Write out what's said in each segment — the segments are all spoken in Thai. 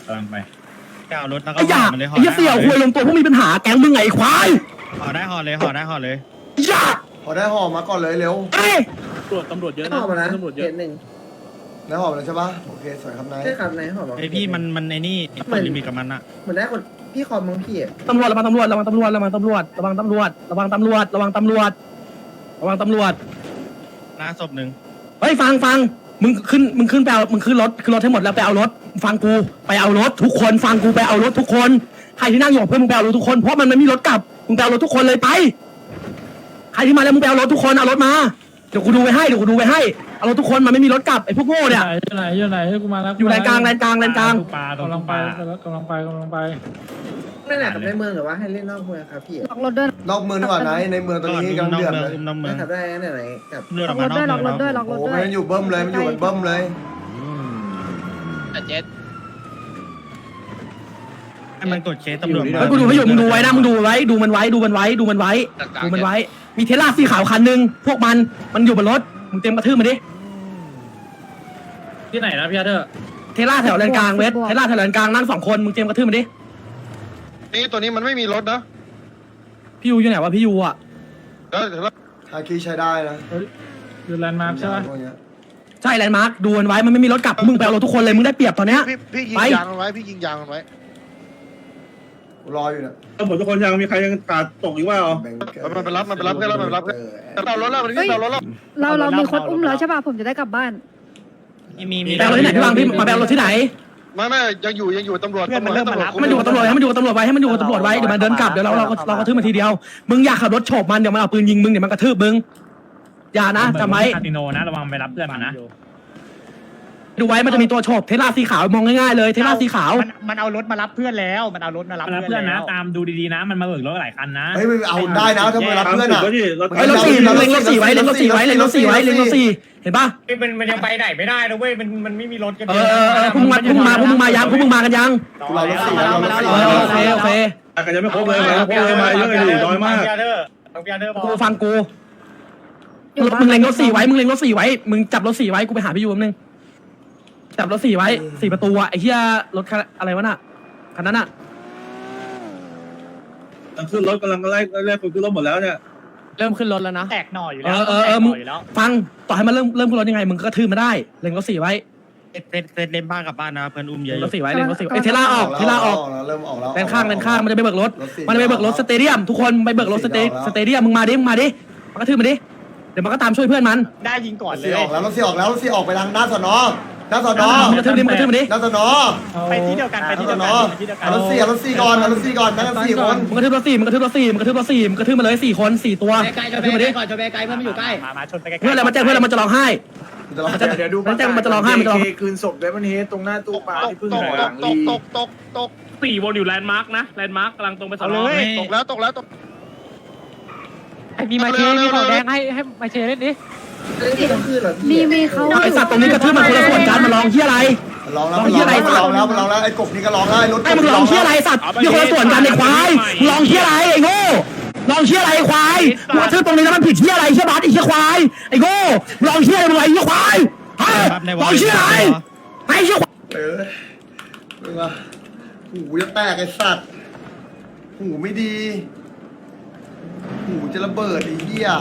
กำลังไปเอารถแล้วก็ไอ้ยามันเลยไอ้เสี่ยวคุยลงตัวพวกมีปัญหาแก๊งมึงไงควายห่อได้ห่อเลยยาพอได้ห่อมาก่อนเลยเร็วเอ้ยตำรวจเยอะนะห่อมานะตำรวจเยอะหนึ่งได้ห่อมาแล้วใช่ปะโอเคสวยครับนายใช่ครับนายห่อมาไอพี่มันไอ้นี่มันลิมิตกับมันอะเหมือนได้คนพี่คอมมั้งพี่อ่ะตำรวจระวังตำรวจระวังตำรวจระวังตำรวจระวังตำรวจระวังตำรวจระวังตำรวจระวังตำรวจหน้าศพหนึ่งเฮ้ยฟังมึงขึ้นไปเอามึงขึ้นรถให้หมดแล้วไปเอารถฟังกูไปเอารถทุกคนฟังกูไปเอารถทุกคนใครที่นั่งอยู่กับเพื่อนมึงไปเอารถทุกคนเพราะมันไม่มีรถกลับมึงไปเอารถทุกคนเลยไปใครที่มาแล้วมึงไปเอารถทุกคนเอารถมาเดี๋ยวกูดูไว้ให้เอารถทุกคนมันไม่มีรถกลับไอ้พวกโง่เนี่ยอยู่ไหนให้กูมาแล้วอยู่แลนกลางปลาตรงกำลังไปปลากำลังไปนั่นแหละกับในเมืองหรือว่าให้เล่นนอกเมืองครับพี่ล็อกรถด้วยนอกเมืองดีกว่านายในเมืองตอนนี้กำลังเดือดเลยน้ำเมืองนะครับได้ไหนกับเลือดอล็ออก กมาร นถอกด้วยเมืล็ออง กรถแล้วด้วยล็อกรถด้วยมันอยู่เบิ้มเลยมันอยู่กันเบิ้มเลยให้มันกดเคสตำรวจเฮ้ยกูดูให้อยู่มึงดูไว้นะมึงดูไว้ดูมันไว้มีเทสลาสีขาวคันนึงพวกมันอยู่บนรถมึงเตรียมกระทืบมันดิที่ไหนนะพี่อาเธอร์เทสลาแถวแลนกลางเวทเทสลาแถวแลนกลางนั่ง2 คนมึงเตรียมกระทืบมันดินี่ตัวนี้มันไม่มีรถนะพี่ยูอยู่ไหนวะพี่ยูอ่ะแล้วฮาคิใช้ได้นะอยู่แลนด์มาร์คใช่ไหมพวกเนี้ยใช่แลนด์มาร์คดูมันไว้มันไม่มีรถกลับมึงไปเอารถทุกคนเลยมึงได้เปรียบตอนเนี้ยพี่ยิงไปยางมันไว้พี่ยิงยางมันไว้รออยู่เนี่ยตำรวจทุกคนยังมีใครยังขาดตกอีกว่าเหรอมันไปรับกันแล้วเอารถแล้วมันเอารถแล้วเรามีคนอุ้มแล้วใช่ป่ะผมจะได้กลับบ้านมีไปเอารถที่ไหนพี่วางพี่มาไปเอารถที่ไหนไม่ยังอยู่ตำรวจให้มันอยู่กับตำรวจไว้ให้มันอยู่กับตำรวจไว้เดี๋ยวมันเดินกลับเดี๋ยวเรากระทืบมันทีเดียวมึงอยากขับรถโฉบมันเดี๋ยวมันเอาปืนยิงมึงเดี๋ยวมันกระทืบมึงอย่านะจำไว้คาติโนนะระวังไปรับเพื่อนมันนะดูไว้มันจะมีตัวโฉบเทสลาสีขาวมองง่ายๆเลยเทสลาสีขาวมันเอารถมารับเพื่อนแล้วมันเอารถมารับเพื่อนนะตามดูดีๆนะมันมาเบิกรถหลายคันนะเฮ้ยเอาได้นะถ้ามารับเพื่อนอ่ะเฮ้ยรถสี่เล็งรถสี่ไว้เห็นป่ะมันยังไปไหนไม่ได้นะเว้ยมันไม่มีรถกันพวกมึงมากันยังเรารถสี่แล้วโอเคกันยังไม่ครบเลยมาเยอะเลยน้อยมากกูฟังกูมึงเล็งรถสี่ไว้มึงจับรถสี่ไว้กูไปหาพี่ยูแป๊บนึงจับรถ4ไว้4ประตูอะไอ้เหี้ยรถอะไรวะน่ะคันนั้นอะขึ้นรถกำลังไล่คนขึ้นรถหมดแล้วเนี่ยเริ่มขึ้นรถแล้วนะแตกหน่ออยู่แล้วมึงฟังต่อให้มันเริ่มขึ้นรถยังไงมึงก็กระทืบมาได้เล็งรถ4ไว้เล่นบ้านกับบ้านนะเพื่อนอุ้มเยอะรถ4ไว้เล็งรถ4ไอ้เทล่าออกเริ่มออกแล้วเลนข้างมันจะไปเบิกรถสเตเดียมทุกคนไปเบิกรถสเตเดียมมึงมาดิมันกระทืบมาดิเดี๋ยวมันก็ตามช่วยเพื่อนมันได้ยิงก่อนเลยออกแล้วรถสี่ออกไปทางหน้าสนอหน้าสนอมึงกระทืบมาดิหน้าสนอไปที่เดียวกันรถสี่ก่อนนั่งกัน4 คนมึงกระทืบรถ4มึงกระทืบมาเลย4 คน4 ตัวกระทืบมาดิมาชนไปไกลเพื่อนอะไรมาแจ้งเพื่อนอะไรมันจะร้องไห้เดี๋ยวดูมันจะร้องไห้คืนศพเดมอนเฮดตรงหน้าตู้ปลาที่เพิ่งหลังลีตก 4 วนอยู่แลนด์มาร์คนะแลนด์มาร์คกำลังตรงไปสนตกแล้วมีมาเชมีของแดงให้มาเชเล่นดิต้องคืนเหรอมีเขาไอสัตว์ตรงนี้กระทืบมันคนละส่วนกันมาร้องที่อะไรร้องแล้วไอ้กบนี่ก็ร้องแล้วรถไอ้มึงร้องที่อะไรสัตว์มีคนละส่วนกันในควายร้องที่อะไรไอ้โง่ร้องที่อะไรควายมึงกระทืบตรงนี้แล้วมันผิดที่อะไรเชี่ยบัสไอ้เชี่ยควายไอ้โง่ร้องที่อะไรมึงไอ้เชี่ยควายร้องที่อะไรไอ้เชี่ยมึงอะหูจะแตกไอ้สัตว์หูไม่ดีหูจะระเบิดไอ้เหี้ย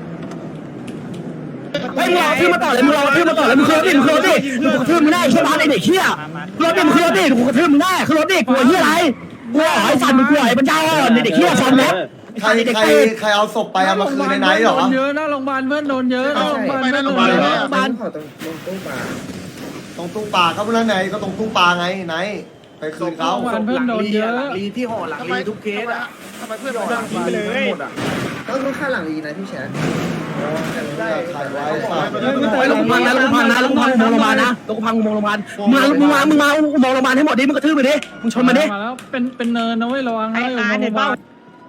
ไอ้มึงรอทื่อมาต่อเลยมึงเคยดิมึงกระทืบมึงได้เชี่ยบัสไอ้เด็กเชี่ยรถดิมึงเคยดิกูกระทืบมึงได้คือรถดิกลัวที่อะไรกลัวไอ้สัตว์มึงกลัวไอ้บรรดาอ่อนเด็กเชี่ยฟอร์มแล็บใครเอาศพไปเอามาคืนในไหนหรอเยอะหน้าโรงพยาบาลเพื่อนโดนเยอะหน้าโรงพยาบาลเพื่อนโดนเยอะบ้านขอตรงตู้ปลาตรงตู้ปลาเขาเพื่อนไหนก็ตรงตู้ปลาไงไหนไปคืนเขาเพื่อนโดนเยอะลีที่ห่อหลังลีทุกเคสอ่ะทำไมเพื่อนหลังลีไปเลยก็ต้องค่าหลังลีนะพี่แชทได้ถ่ายไว้ลงพังนะอุโมงค์โรงพยาบาลนะลงพังอุโมงค์โรงพยาบาลมึงมาอุโมงค์โรงพยาบาลให้หมดดิมึงกระทืบไปดิมึงชนมาดิมาแล้วเป็นเนินนะเว้ยระวังนะอยู่โรงพยาบาล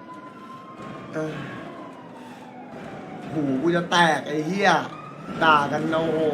หูกูจะแตกไอ้เหี้ยด่ากันโอ้โห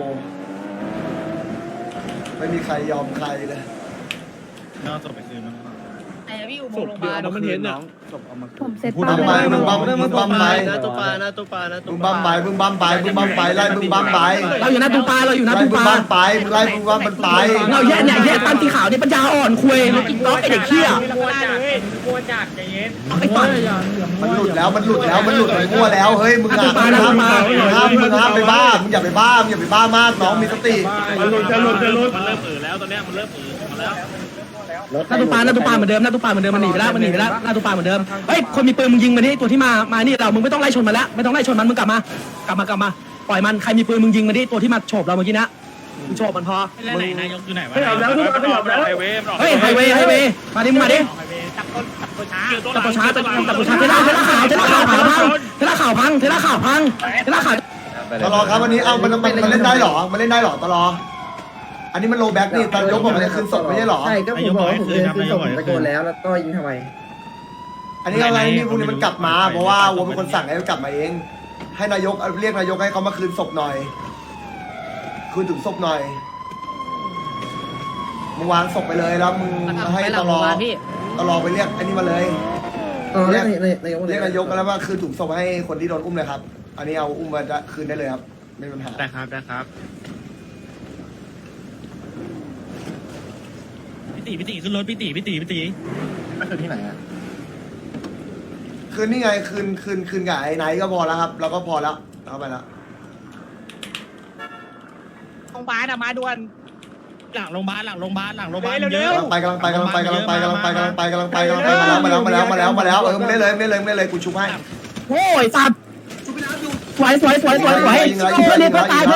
ไม่มีใครยอมใครเลยน่าจะไปคืนมันไอ้พี่อูศพเดียวเราไม่เห็นอ่ะผมเซ็ตมึงป้าบัมไว้ไปมึงบัมไปนะตัวปลานะตัวปลานะตัมึวงปบัลามไปมึงบัมไปมึงบัมไปไล่มึงบัมไปเราอยู่หน้าตูปลาเราอยู่หน้าไล่ตูมึปงลาบัมไปมึงไล่มึงบัมมันไปเราแย่เนี่ยแย่ตั้งสีขาวนี่ปัญญาอ่อนคุยกินต๊อกไอเด็กเขี้ยกลัวจัดกลัวจัดใจเย็นไอ้ตัดมันหลุดแล้วมันมั่วแล้วเฮ้ยมึงห้ามไปบ้ามึงอย่าไปบ้ามากน้องมีสติมันหลุดจะหลุดมันเริ่มแล้วตอนเนี้ยมันเริ่มมาแล้วหน้าตูปลาเหมือนเดิมมันหนีไปแล้วหน้าตูปลาเหมือนเดิมเฮ้ยคนมีปืนมึงยิงมันนี่ตัวที่มานี่เรามึงไม่ต้องไล่ชนมันแล้วไม่ต้องไล่ชนมันมึงกลับมาปล่อยมันใครมีปืนมึงยิงมันนี่ตัวที่มาโฉบเราเมื่อกี้นะมึงโฉบมันพอไหนนายกอยู่ไหนวะเฮ้ยเอาแล้วทุกคนไฮเวย์เฮ้ยไฮเวย์มาดิมาดิจับตัวช้าจับตัวช้าเทล่าข่าวพังตลอครับวันนี้เอามันเล่นได้หรอมันเล่นได้หรอตลออันนี้มันโลแบ็กนี่ตอนยกบอกมันจะคืนสดไม่ใช่หรอใช่ก็ผมบอกว่าผมเดินขึ้นศพผมตะโกนแล้วก็ยิงทำไมอันนี้อะไรนี่พวกนี้มันกลับมาเพราะว่าวัวเป็นคนสั่งให้มันกลับมาเองให้นายกเรียกนายกให้เขามาคืนศพหน่อยคืนถึงศพหน่อยมึงวางศพไปเลยแล้วมึงให้ตลอไปเรียกอันนี้มาเลยเรียกนายกเรียกนายกแล้วว่าคืนถุงศพให้คนที่โดนอุ้มเลยครับ อันนี้เอาอุ้มมาจะคืนได้เลยครับไม่มีปัญหาได้ครับพี่ตีขึ้นรถพี่ตีคืนนี่ไงคืนกับไอ้ไนท์ก็พอแล้วครับเราก็พอแล้วเอาไปแล้วโรงพยาบาลมาด่วนหลังโรงพยาบาลเยอะกำลังไปมาแล้วไม่เล่นเลยกูชุบให้โอ้ยสัตว์สวยเพื่อนตายยิง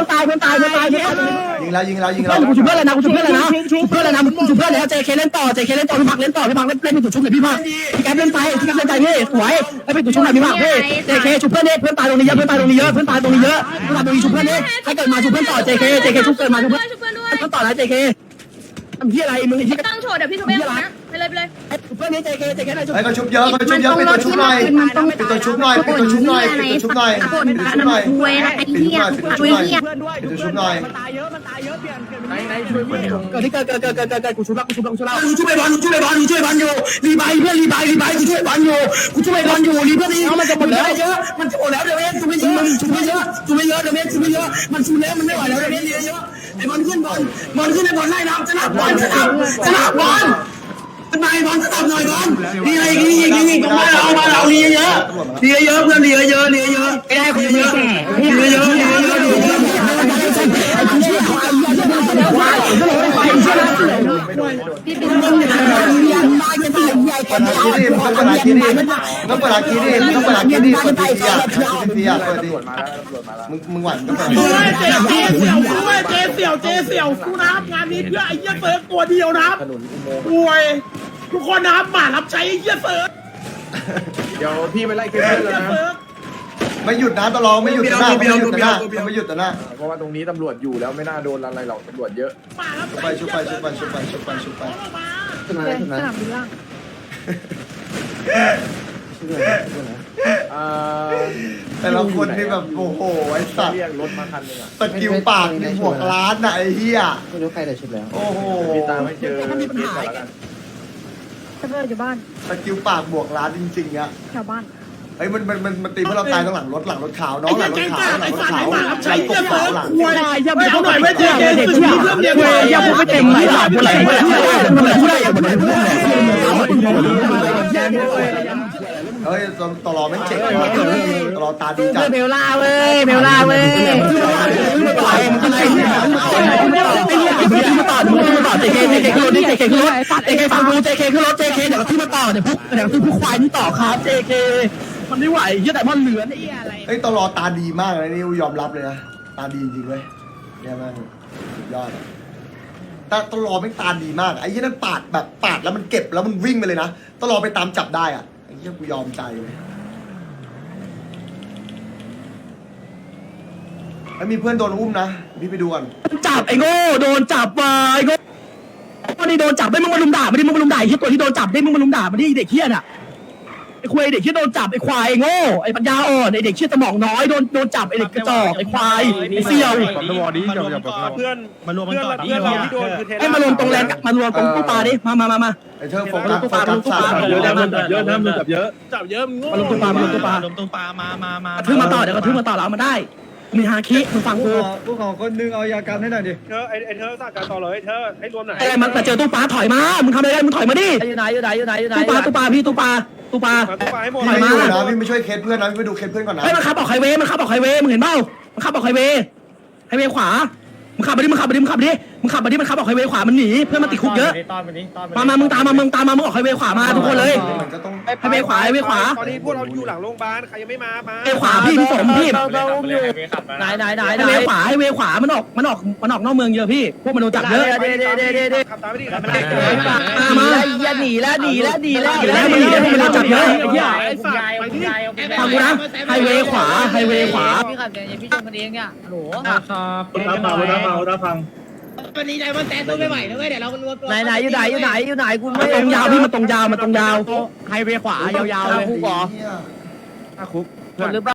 แล้วกูชุบเพื่อนเลยนะชุบเพื่อนแล้ว JK เล่นต่อพี่พักเล่นต่อพี่เป็นตัวชุบเลยพี่พักพี่แก๊ปเล่นไปนี่สวยไอ้เป็นตัวชุบไหนพี่พักพี่ JK ชุบเพื่อนนี่เพื่อนตายตรงนี้เยอะชุบเพื่อนนี่ถ้าเกิดมาชุบเพื่อนต่อ JK ชุบเกิดมาชุบเพื่อนต่อแล้ว JK ทำที่อะไรมึงที่ตั้งโชว์เดี๋ยวพี่ทุบเองนะไปเลยชุบเพื่อนนี่ JK ได้ชุบไอ้ก็ชุบเยอะเป็นตัวชุบหน่อยเป็นตัวชุบหน่อยเป็นตัวชุบหน่อยป่นกันน้ำคุยนะไอ้เหี้ยคุยเหี้ยเป็นตัวชุบหน่อยมันตายเยอะเปลี่ยนเกิดกูชุบแล้วกูช่วยบอลอยู่รีบายเพื่อนรีบายกูช่วยบอลอยู่รีเพื่อนนี่มันจะหมดแล้วเยอะมันจะหมดแล้วเดี๋ยวชุบไม่เยอะเดี๋ยวมันชุบแล้วมันไม่ไหวแล้วเดี๋ยวเยอะไอ้บอลขึ้นไอ้บอลไล่น้ำชนะบอลทำไมบอลหน่อยบอลดีอะไรยิงตรงมาเราดีเยอะเพื่อนดีเยอะไอ้ได้คนเยอะไอ้คุณเชื่อเขาอันนี้จะเป็นคนว่าพี่เป็นคนใหญ่กันใหญ่ต้องเปิดอาคีดิเปิดเสียมึงหวั่นต้องเปิดเจเสี่ยวกูนะครับงานนี้เพื่อไอ้เหี้ยเซิร์ฟตัวเดียวนะครับป่วยทุกคนนะครับหมารับใช้ไอ้เหี้ยเซิร์ฟเดี๋ยวพี่ไปไล่เกมเพื่อนแล้วนะไม่หยุดนะตลอดไม่หยุดนะไม่หยุดนะเพราะว่าตรงนี้ตำรวจอยู่แล้วไม่น่าโดนอะไรหรอกตำรวจเยอะหมารับใช้ชุบไปสนามบินล่างแต่ละคนนี่แบบโอ้โหไอ้สัตว์เรียกรถมาคันนึงอ่ะสกิลปากนี่บวกล้านนะไอ้เหี้ยไม่รู้ใครแต่ชุดแล้วโอ้โหพี่ตามไม่เจอพี่ก่อนแล้วกันเซิร์ฟเวอร์อยู่บ้านสกิลปากบวกล้านจริงๆอะแถวบ้านเฮ้ยมันตีเพื่อเราตายต้องหลังรถขาวน้องหลังรถขาวหลังกบขาวหลังป่วยอย่าไปเอาหน่อยไม่เจเด็กเพื่อนเดียวอย่าพูดไม่เต็มไหลหลับไหลเฮ้ยตลอดไม่เจ๋งตลอดตาดีจัดเบลล่าเว้ยมึงต่อเจเคขึ้นรถนี่เจเคขึ้นรถเจเคฟังกูเจเคขึ้นรถเจเคเดี๋ยวที่มาต่อเดี๋ยวพวกควายนี่ต่อครับเจเคมันไม่ไหวเหี้ยแต่มันเหลือไอ้อะไรเฮ้ยตลอดตาดีมากเลยนี่ยอมรับเลยนะตาดีจริงๆเลยเนี่ยมันยอดตลอดไม่ตาดีมากไอ้ยี่นั่นปาดแล้วมันเก็บแล้วมันวิ่งไปเลยนะตลอดไปตามจับได้อ่ะไอ้ยี่กูยอมใจเลยแล้วมีเพื่อนโดนอุ้มนะพี่ไปดูก่อนจับไอ้โง่โดนจับว่ะไอ้โง่นี่โดนจับได้มึงมาลุมด่าไม่ได้มึงมาลุมด่าไอ้ตัวที่โดนจับได้มึงมาลุมด่าไม่ได้เด็กเหี้ยน่ะไอ้ควายเด็กที่โดนจับไอ้ควายโง่ไอ้ปัญญาอ่อนไอ้เด็กที่สมองน้อยโดนจับไอ้เด็กกระจอกไอ้ควายไอ้เสี่ยวเพื่อนมารวมกันก่อนเพื่อนเราที่โดนคือเทให้มารวมตรงแลนด์มารวมตรงตู้ปลาดิมาไอ้เธอโฟกัส3 เยอะนะมันจับเยอะนะมันจับเยอะจับเยอะมึงโง่มาลงตู้ปลามาลงตู้ปลาลงตู้ปลามากระทืบมาต่อเดี๋ยวกระทืบมาต่อแล้วเอามาได้มีฮาคิมึงฟังกูผู้ของคนนึงเอายากันให้หน่อยดิเธอไอ้เธอสั่งการต่อเลยเธอให้รวมหน่อยไอ้มันมาเจอตู้ปลาถอยมามึงทำอะไรกันมึงถอยมาดิอยู่ไหนอยู่ไหนอยู่ไหนอยู่ไหนตู้ปลาพี่ตู้ปลามาตู้ปลาให้หมดพี่ไม่อยู่นะพี่ไม่ช่วยเคสเพื่อนนะพี่ไปดูเคสเพื่อนก่อนนะเฮ้ยมันขับออกไฮเวย์มึงเห็นเปล่ามันขับออกไฮเวย์ขวามึงขับมาดิมันขับออกไฮเวย์ขวามันหนีเพื่อนมันติดคุกเยอะมามึงตามมามึงออกไฮเวย์ขวามาทุกคนเลยมันก็ต้องไฮเวย์ขวาตอนนี้พวกเราอยู่หลังโรงพยาบาลใครยังไม่มาไฮเวย์ขวาพี่สมพี่ไหนไฮเวย์ขวามันออกนอกเมืองเยอะพี่พวกมันโดนจับเยอะขับตามไม่ดีขับมาอย่าหนีแล้วมันหนีแล้วพวกมันโดนจับเยอะไอ้เหี้ยไอ้สัตว์ไปที่ฟังกูนะไฮเวย์ขวาพี่ขับอย่างพี่ชมกันเองเนี่ยโหลรับฟังวันนี้ใจมันแตนตัวไม่ไหวนะเว้ยเดี๋ยวเรารวมตัวไหนอยู่ไหนคุณมันตรงยาวพี่มันตรงยาวไฮเวย์ขวายาวๆเลยคุกเหรอคนหรือเปล่า